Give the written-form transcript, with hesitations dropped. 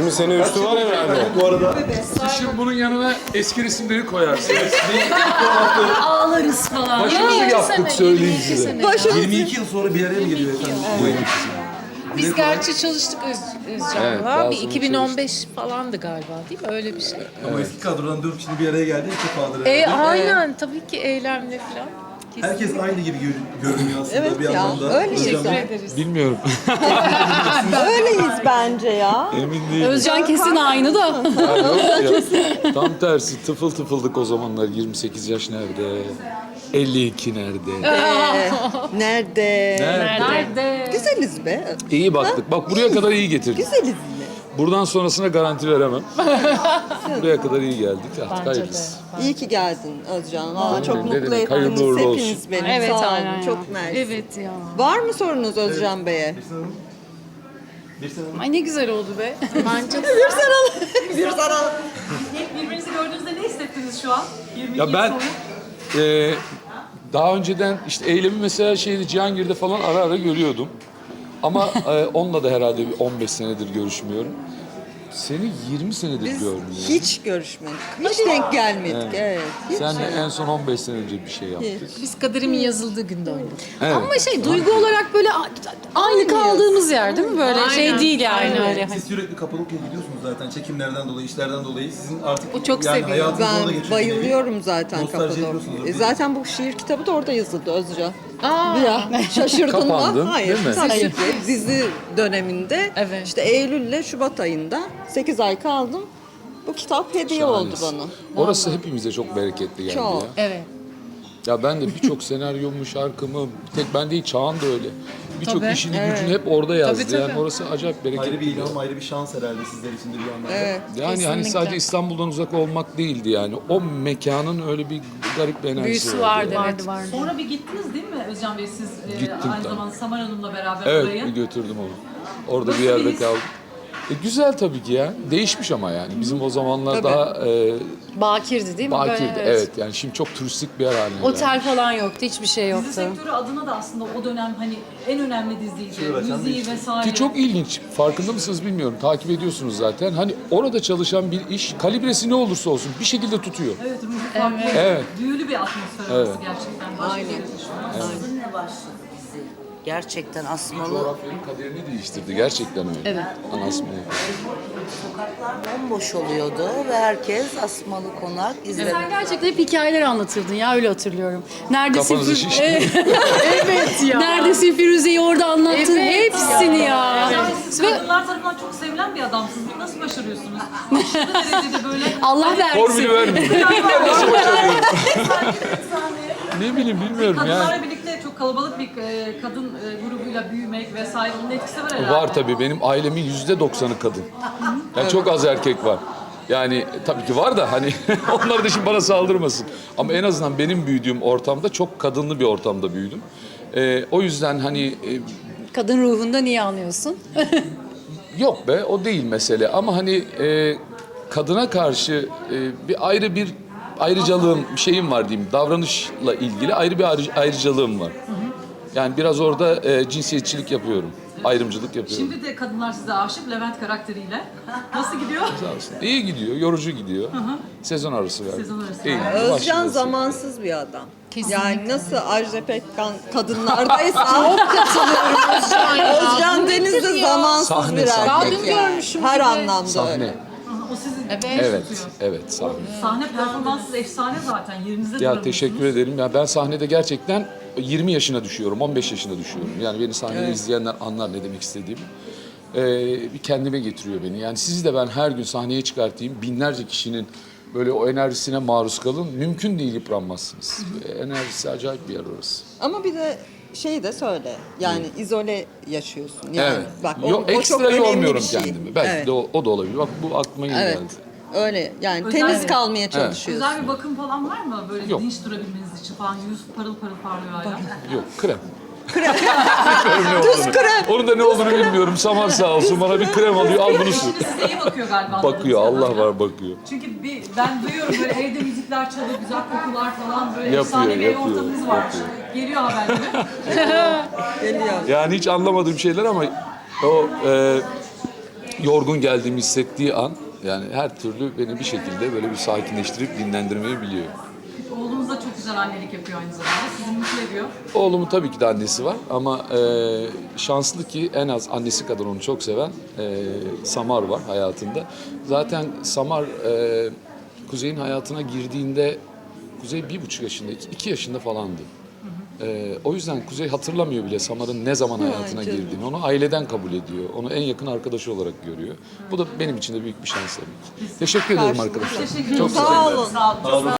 20 sene üstü var herhalde. Bu arada Şimdi bunun yanına eski resimleri koyarsın. Ağlarız falan. Başımızı yaptık söyleyeyim size. 22 yıl sonra bir araya mı geliyor efendim? Bu ekip. Biz gerçi çalıştık Özcan'la. Evet, daha bir sonra 2015 falandı galiba değil mi? Öyle bir şey. Ama eski kadrodan 4 kişinin bir araya geldi ilk defadır. Aynen tabii ki eylemle falan. Herkes aynı gibi görünüyor aslında Evet bir ya, anlamda. öyle Özcan Teşekkür Bey. ederiz. Bilmiyorum. Öyleyiz bence ya. Emin değilim. Özcan kesin aynı da. Yok ya. Tam tersi tıfıl tıfıldık o zamanlar. 28 yaş nerede? 52 nerede? Nerede? Nerede? Güzeliz be. İyi baktık. Bak buraya kadar iyi getirdik. Güzeliz yine. Buradan sonrasına garanti veremem. Buraya kadar iyi geldik. Artık Bence de. hayırlısı. İyi ki geldin Özcan. Aa, çok Ne mutlu demek, ettiniz hayırlı uğurlu olsun. hepiniz beni. Evet, Sağ olun. aynen ya. Çok mersi. Evet ya. Var mı sorunuz Özcan Bey'e? Bir sene Ay ne güzel oldu be. Bence de. Bir sana. Birbirinizi gördüğünüzde ne hissettiniz şu an? 22 Ya ben yıl sonra. daha önceden işte eylemi mesela Cihangir'de falan ara ara görüyordum. Ama onunla da herhalde bir 15 senedir görüşmüyorum. Seni 20 senedir Biz görmüyorum. hiç görüşmedik. Hiç denk gelmedik. Evet. Hiç. Sen de en son 15 sene önce bir şey yaptık. Biz kaderimin yazıldığı günde oynadık. Evet. Ama duygu olarak böyle aynı kaldığımız yer değil mi? Böyle Aynen. değil yani Aynen. öyle. Siz sürekli Kapadokya'ya gidiyorsunuz zaten çekimlerden dolayı, işlerden dolayı. Sizin artık O çok seviyor. hayatınız orada Ben geçiyor. bayılıyorum zaten Nostalji yapıyorsunuz. Kapadokya'ya. Zaten bu şiir kitabı da orada yazıldı Özcan. Aa, Ya şaşırdın Kapandın, mı? Hayır. değil mi? Tabii ki. Dizi döneminde Evet. işte Eylül ile Şubat ayında 8 ay kaldım. Bu kitap hediye oldu bana. Orası hepimize çok bereketli geldi Çok. ya. evet. Ya ben de birçok senaryomu, şarkımı, bir tek ben değil Çağan da öyle. Birçok Tabii. işini gücünü hep orada yazdı. Tabii, tabii. Yani orası acayip bereketli. Ayrı bir ilham, ayrı bir şans herhalde sizler için de bir anlamda. Evet. Yani hani Kesinlikle. sadece İstanbul'dan uzak olmak değildi yani. O mekanın öyle bir garip bir enerjisi Büyüsü vardı. vardı evet. Sonra bir gittiniz değil mi Özcan Bey siz Gittim aynı tabii. zamanda Samar Hanım'la beraber Evet, oraya? bir götürdüm onu. Orada Nasıl bir yerde bir his? kaldım. Güzel tabii ki ya. Değişmiş ama yani. Bizim o zamanlar Tabii. daha Bakirdi değil mi? Böyle, bakirdi. Evet. Yani şimdi çok turistik bir yer haline geldi. Otel falan yoktu, hiçbir şey Dizi yoktu. sektörü adına da aslında o dönem hani en önemli diziydi. Çığır Müziği vesaire. Ki çok ilginç. Farkında mısınız bilmiyorum. Takip ediyorsunuz zaten. Hani orada çalışan bir iş kalibresi ne olursa olsun bir şekilde tutuyor. Evet, ruhu farklı. Evet. Büyülü bir atmosfer orası gerçekten. Başka Aynen. bir yere taşınmaz. Sizinle başladı dizi. Gerçekten asmalı. Coğrafyanın kaderini değiştirdi. Gerçekten öyle. Evet. Anasmalı. Sokaklar bomboş oluyordu ve herkes asmalı konak izledi. Sen gerçekten hep hikayeler anlatırdın ya, öyle hatırlıyorum. Neredesin Kafanızı şişti. Evet ya. Neredesin Firuze'yi orada anlattın hepsini ya. Siz kadınlar tarafından çok sevilen bir adamsınız. Bunu nasıl başarıyorsunuz? Aşırı derecede böyle... Allah Formülü versin. vermiyor. Nasıl başarıyorum? Ne bileyim bilmiyorum Kadınlarla yani. birlikte çok kalabalık bir kadın grubuyla büyümek vesaire onun etkisi var herhalde. Var tabii. Benim ailemin %90'ı kadın. Yani çok az erkek var. Yani tabii ki var da hani onlar da şimdi bana saldırmasın. Ama en azından benim büyüdüğüm ortamda çok kadınlı bir ortamda büyüdüm. O yüzden hani Kadın ruhunda niye anlıyorsun? yok be o değil mesele. Ama hani kadına karşı bir ayrıcalığım, bir şeyim var diyeyim. Davranışla ilgili ayrı bir ayrıcalığım var. Yani biraz orada cinsiyetçilik yapıyorum. Ayrımcılık yapıyorum. Şimdi de kadınlar size aşık Levent karakteriyle. Nasıl gidiyor? Sağ olsun. İyi gidiyor, yorucu gidiyor. Sezon arası verdik. Sezon arası İyi, verdik. Özcan başlayacağız. zamansız bir adam. Kesinlikle. Yani nasıl Ajda Pekkan kadınlardaysa çok katılıyorum. Özcan Deniz de zamansız Sahne, bir sahne. erkek Ben dün yani. görmüşüm Her bir de. anlamda Sahne. öyle. O sizin Evet, evet sahne. sahne performansınız efsane zaten. Yerinizde Ya duramıyorsunuz. teşekkür ederim. Ya ben sahnede gerçekten 20 yaşına düşüyorum, 15 yaşına düşüyorum. Yani beni sahnede izleyenler anlar ne demek istediğimi. Bir kendime getiriyor beni. Yani sizi de ben her gün sahneye çıkartayım, binlerce kişinin böyle o enerjisine maruz kalın. Mümkün değil yıpranmazsınız. Enerjisi acayip bir yer orası. Ama bir de şey de söyle. Yani izole yaşıyorsun. Yani Evet. bak Yok, o çok ekstra önemli yormuyorum bir şey. kendimi. Belki Evet. de o da olabilir. Bak bu aklıma yeni Evet. geldi. Öyle yani Özel- temiz Evet. kalmaya çalışıyorsun. Özel bir bakım falan var mı? Böyle Yok. dinç durabilmeniz için falan. Yüz parıl parıl parlıyor hala. Yok, krem. Tuz krem. Onun da ne olduğunu bilmiyorum. Samar sağ olsun bana bir krem alıyor, al bunu sür. Eşiniz size iyi bakıyor galiba. Bakıyor, anladığım Allah kadarıyla. var bakıyor. Çünkü ben duyuyorum böyle evde müzikler çalıyor, güzel kokular falan böyle Yapıyor, efsane bir ev yapıyor, ortamınız var. yapıyor. Geliyor haberleri. Geliyor. Yani hiç anlamadığım şeyler ama o yorgun geldiğimi hissettiği an yani her türlü beni bir şekilde böyle bir sakinleştirip dinlendirmeyi biliyor. Oğlunuz da çok güzel annelik yapıyor aynı zamanda. Sizi mutlu ediyor. Oğlumun tabii ki de annesi var ama şanslı ki en az annesi kadar onu çok seven Samar var hayatında. Zaten Samar Kuzey'in hayatına girdiğinde Kuzey 1,5 yaşında, 2 yaşında falandı. O yüzden Kuzey hatırlamıyor bile Samar'ın ne zaman hayatına girdiğini. Onu aileden kabul ediyor. Onu en yakın arkadaşı olarak görüyor. Bu da benim için de büyük bir şans tabii ki. Teşekkür ederim arkadaşlar. Teşekkür ederim. Çok Sağ olun. Sağ olun.